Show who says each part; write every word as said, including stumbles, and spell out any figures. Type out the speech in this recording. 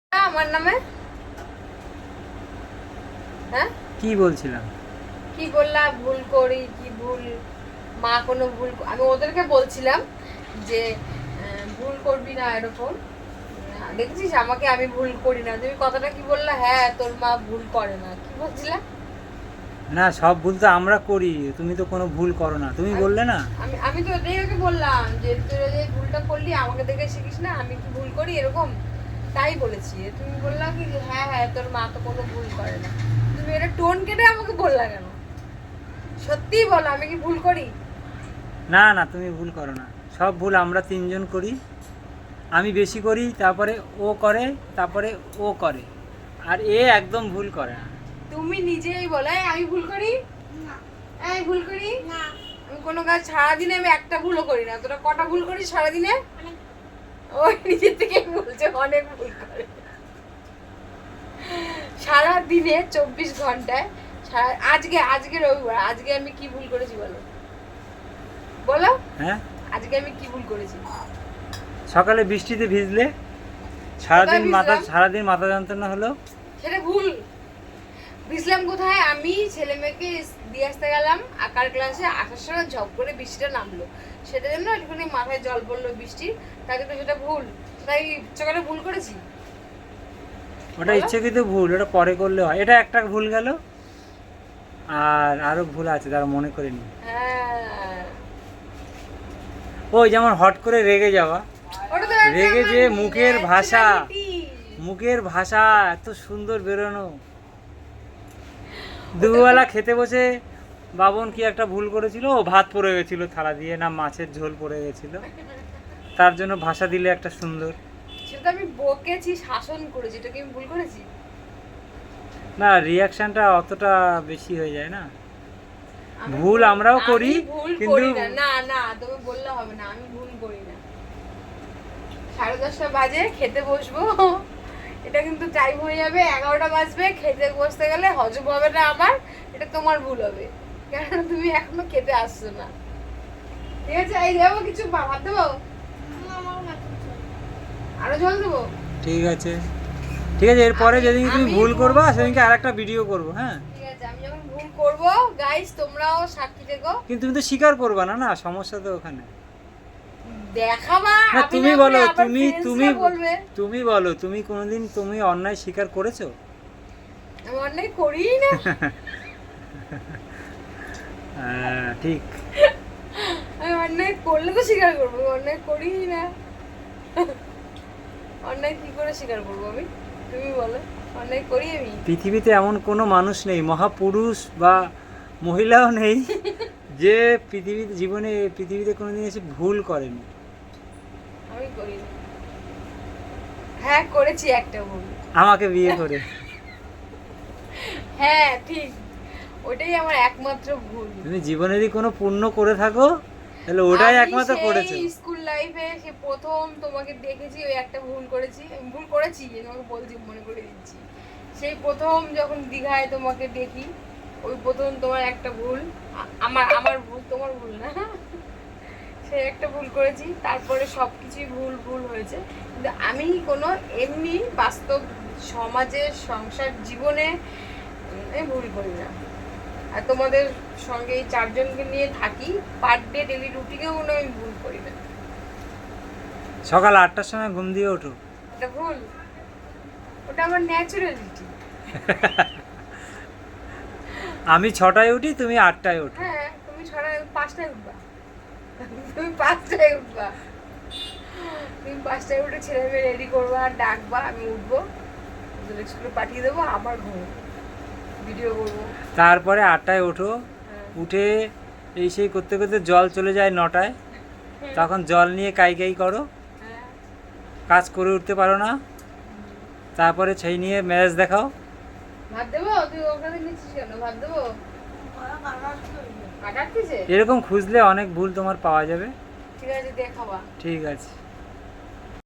Speaker 1: আমার নামে হ্যাঁ
Speaker 2: কি বলছিলাম?
Speaker 1: কি বললা? ভুল করি কি ভুল? মা কোনো ভুল আমি ওদেরকে বলছিলাম যে আহ, ভুল করবি না এরকম। আহ, দেখেছিস আমাকে, আমি ভুল করি না। তুমি কথাটা কি বললা? হ্যাঁ তোর মা ভুল করে না, কি বলছিলা?
Speaker 2: না, সব ভুল তো আমরা করি, তুমি তো কোনো ভুল করো না, তুমি
Speaker 1: আমি
Speaker 2: বললে না।
Speaker 1: আমি আমি তো এটাই ওকে বললাম যে তুই যে ভুলটা করলি আমাকে দেখে শিখিস না, আমি কি ভুল করি এরকম, তাই বলেছি। তুমি বললা কি যে হ্যাঁ হ্যাঁ তোর মা তো কোনো ভুল করে না। তুমি এটা টোন কেটে আমাকে বললা কেন? সত্যিই বলো, আমি কি ভুল করি?
Speaker 2: না না, তুমি ভুল করো না, সব ভুল আমরা তিনজন করি। আমি বেশি করি, তারপরে ও করে, তারপরে ও করে, আর এ একদম ভুল করে না।
Speaker 1: তুমি নিজেই বলো "এই, আমি ভুল করি
Speaker 3: না
Speaker 1: এই ভুল করি
Speaker 3: না
Speaker 1: আমি কোনো কাজ সারাদিনে আমি একটা ভুলও করি না। তোরা কটা ভুল করিস সারাদিনে?
Speaker 3: অনেক
Speaker 1: ওই নিজের থেকে বলছে অনেক ভুল করে। সারা দিনে চব্বিশ ঘন্টায় সারা আজকে আজকে রবিবার, আজকে আমি কি ভুল করেছি বলো? বলো
Speaker 2: হ্যাঁ,
Speaker 1: আজকে আমি কি ভুল করেছি?
Speaker 2: সকালে বৃষ্টিতে ভিজলে, সারাদিন
Speaker 1: কোথায়
Speaker 2: মাথা
Speaker 1: ভিজলাম?
Speaker 2: সারাদিন মাথা যন্ত্রণা হলো।
Speaker 1: সেটা ভুল। ভিজলাম কোথায়? আমি ছেলে মেয়েকে দিয়ে আসতে গেলাম আঁকার ক্লাসে, আসার সময় ঝপ করে বৃষ্টিটা নামলো, সেটা জন্য একটুখানি মাথায় জল পড়লো বৃষ্টির, তাই জন্য সেটা ভুল। তাই ইচ্ছা করে ভুল করেছি?
Speaker 2: ওটা
Speaker 1: বলো?
Speaker 2: ইচ্ছাকৃত ভুল, ওটা পরে করলে হয়। এটা একটা ভুল গেল, আর আরো ভুল আছে যারা মনে করিনি।
Speaker 1: হ্যাঁ,
Speaker 2: ওই যেমন হট করে রেগে যাওয়া,
Speaker 1: ওটা তো একটা
Speaker 2: রেগে
Speaker 1: আমার
Speaker 2: যে মুখের ভাষা,
Speaker 1: naturality।
Speaker 2: মুখের ভাষা এত সুন্দর বেরোনো। দুবেলা খেতে বসে বাবন কি একটা ভুল করেছিল, ও ভাত পড়ে গেছিল থালা দিয়ে, না মাছের ঝোল পড়ে গেছিল, তার জন্য ভাষা দিলে একটা সুন্দর।
Speaker 1: সেটা আমি বকেছি, শাসন করেছি, এটা কি আমি ভুল করেছি?
Speaker 2: না, রিয়াকশনটা অতটা বেশি হয়ে যায় না।
Speaker 1: আমি
Speaker 2: ভুল আমরাও
Speaker 1: আমি
Speaker 2: করি,
Speaker 1: ভুল
Speaker 2: কিন্তু
Speaker 1: করি না। না না, তুমি বললে হবে না, আমি ভুল করি না। সাড়ে দশটা বাজে খেতে বসবো, এটা কিন্তু টাইম হয়ে যাবে, এগারোটা বাজবে, খেতে বসতে গেলে হজম হবে না আমার, এটা তোমার ভুল হবে, কারণ তুমি এখনো খেতে আসছো না। ঠিক আছে, এই দেবো কিছু ভা- ভাত দেবো,
Speaker 3: আমার মাথা চলে।
Speaker 1: আরো জল দেবো।
Speaker 2: ঠিক আছে, ঠিক আছে, এরপরে
Speaker 1: আমি-
Speaker 2: যেদিন তুমি
Speaker 1: আমি
Speaker 2: ভুল
Speaker 1: ভুল
Speaker 2: করবা
Speaker 1: করি।
Speaker 2: সেদিনকে আর একটা ভিডিও করবো। হ্যাঁ,
Speaker 1: ঠিক আছে, আমি যখন ভুল করবো গাইস তোমরাও সাক্ষী থেকো।
Speaker 2: কিন্তু তুমি তো স্বীকার করবা না, না সমস্যা তো ওখানে।
Speaker 1: দেখাবা,
Speaker 2: না,
Speaker 1: আমি
Speaker 2: তুমি
Speaker 1: না
Speaker 2: বলো,
Speaker 1: বলে আবার
Speaker 2: তুমি
Speaker 1: friends
Speaker 2: তুমি
Speaker 1: রা বলবে
Speaker 2: তুমি বলো, তুমি কোনোদিন তুমি অন্যায় স্বীকার করেছো?
Speaker 1: আমি অন্যায় করিই না।
Speaker 2: হ্যাঁ, ঠিক।
Speaker 1: আমি অন্যায় করলে তো স্বীকার করবো, আমি অন্যায় করিই না। অন্যায় কি করে স্বীকার করবো আমি? তুমি বলো, অন্যায় করি আমি?
Speaker 2: পৃথিবীতে এমন কোনো মানুষ নেই, মহাপুরুষ বা মহিলাও নেই, যে পৃথিবীতে জীবনে পৃথিবীতে কোনোদিন এসে ভুল করেনি।
Speaker 1: আমি করি না। হ্যাঁ করেছি একটা ভুল।
Speaker 2: আমাকে বিয়ে করে।
Speaker 1: হ্যাঁ ঠিক, ওটাই আমার একমাত্র ভুল।
Speaker 2: তুমি জীবনেরই কোনো পুণ্য করে থাকো, তাহলে ওটাই
Speaker 1: আমি
Speaker 2: একমাত্র
Speaker 1: সেই
Speaker 2: করেছো।
Speaker 1: স্কুল লাইফে সে প্রথম তোমাকে দেখেছি, ওই একটা ভুল করেছি, আমি ভুল করেছি তোমাকে বলছি, মনে করে দিচ্ছি। সেই প্রথম যখন দীঘায় তোমাকে দেখি, ওই প্রথম তোমার একটা ভুল, আ- আমার আমার ভুল, তোমার ভুল না। সে একটা ভুল করেছি, তারপরে সব কিছুই ভুল ভুল হয়েছে, কিন্তু আমি কোনো এমনি বাস্তব সমাজে সংসার জীবনে উম, আমি ভুল করি না। আর তোমাদের সঙ্গে এই চারজনকে নিয়ে থাকি, পার ডে ডেলি রুটিনেও কোনো আমি ভুল করি না।
Speaker 2: সকাল আটটার সময় ঘুম দিয়ে ওঠো।
Speaker 1: এটা ভুল? ওটা আমার ন্যাচুরালিটি।
Speaker 2: আমি ছটায় উঠি, তুমি আটটায় ওঠো।
Speaker 1: হ্যাঁ তুমি ছড়া পাঁচটায় উঠবা, তুমি পাঁচটায় উঠবা, তুমি পাঁচটায় উঠে ছেলে মেয়ে রেডি করবা, ডাকবা, আমি উঠবো, ওদের স্কুলে পাঠিয়ে দেবো, আবার ঘুমো, ভিডিও করবো।
Speaker 2: তারপরে আটটায় ওঠো,
Speaker 1: হ্যাঁ।
Speaker 2: উঠে এই সেই করতে করতে জল চলে যায় নটায়, তখন জল নিয়ে কাই কাই করো,
Speaker 1: হ্যাঁ।
Speaker 2: কাজ করে উঠতে পারো না, তারপরে সেই নিয়ে ম্যাচ দেখাও।
Speaker 1: ভাত দেবো? তুই ওখানে নিচ্ছিস কেন? ভাত দেবো?
Speaker 3: গলা কাটা চলে।
Speaker 1: কাটাচ্ছিস?
Speaker 2: এরকম খুঁজলে অনেক ভুল তোমার পাওয়া যাবে।
Speaker 1: ঠিক আছে দেখাবা।
Speaker 2: ঠিক আছে।